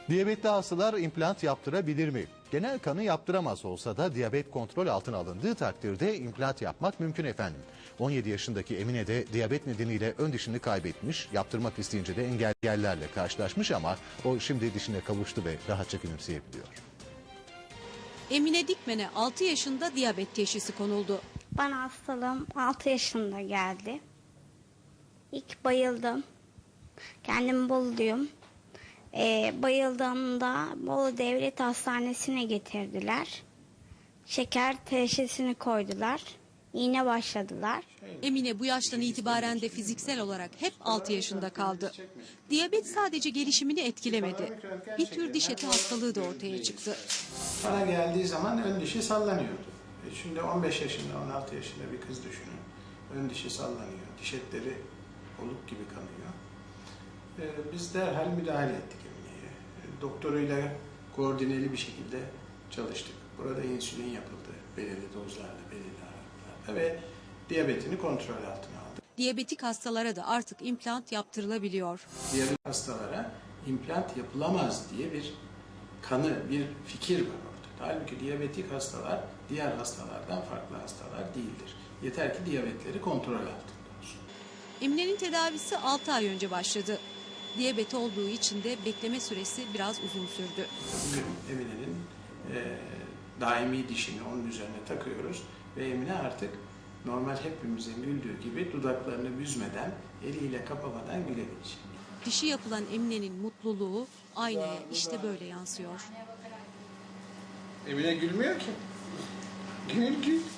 Diyabetli hastalar implant yaptırabilir mi? Genel kanı yaptıramaz olsa da diyabet kontrol altına alındığı takdirde implant yapmak mümkün efendim. 17 yaşındaki Emine de diyabet nedeniyle ön dişini kaybetmiş, yaptırmak isteyince de engellerle karşılaşmış ama o şimdi dişine kavuştu ve rahatça gülümseyebiliyor. Emine Dikmen'e 6 yaşında diyabet teşhisi konuldu. Bana hastalığım 6 yaşında geldi. İlk bayıldım. Kendimi Bolu'luyum. Bayıldığımda Bolu Devlet Hastanesi'ne getirdiler. Şeker teşhisini koydular. İğne başladılar. Emine bu yaştan itibaren de fiziksel olarak hep 6 yaşında kaldı. Diyabet sadece gelişimini etkilemedi. Bir tür diş eti hastalığı da ortaya çıktı. Bana geldiği zaman ön dişi sallanıyordu. Şimdi 15 yaşında, 16 yaşında bir kız düşünün. Ön dişi sallanıyor, diş etleri oluk gibi kanıyor. Biz derhal müdahale ettik Emine'ye. Doktoruyla koordineli bir şekilde çalıştık. Burada insülin yapıldı, belirli dozlarla, belirli aralıklarla ve diyabetini kontrol altına aldık. Diyabetik hastalara da artık implant yaptırılabiliyor. Diyabet hastalara implant yapılamaz diye bir fikir var ortada. Halbuki diyabetik hastalar diğer hastalardan farklı hastalar değildir. Yeter ki diyabetleri kontrol altında olsun. Emine'nin tedavisi 6 ay önce başladı. Diyabet olduğu için de bekleme süresi biraz uzun sürdü. Bugün Emine'nin daimi dişini onun üzerine takıyoruz ve Emine artık normal hepimizin güldüğü gibi dudaklarını büzmeden, eliyle kapamadan gülebilecek. Dişi yapılan Emine'nin mutluluğu aynaya işte böyle yansıyor. Emine gülmüyor ki. Gül.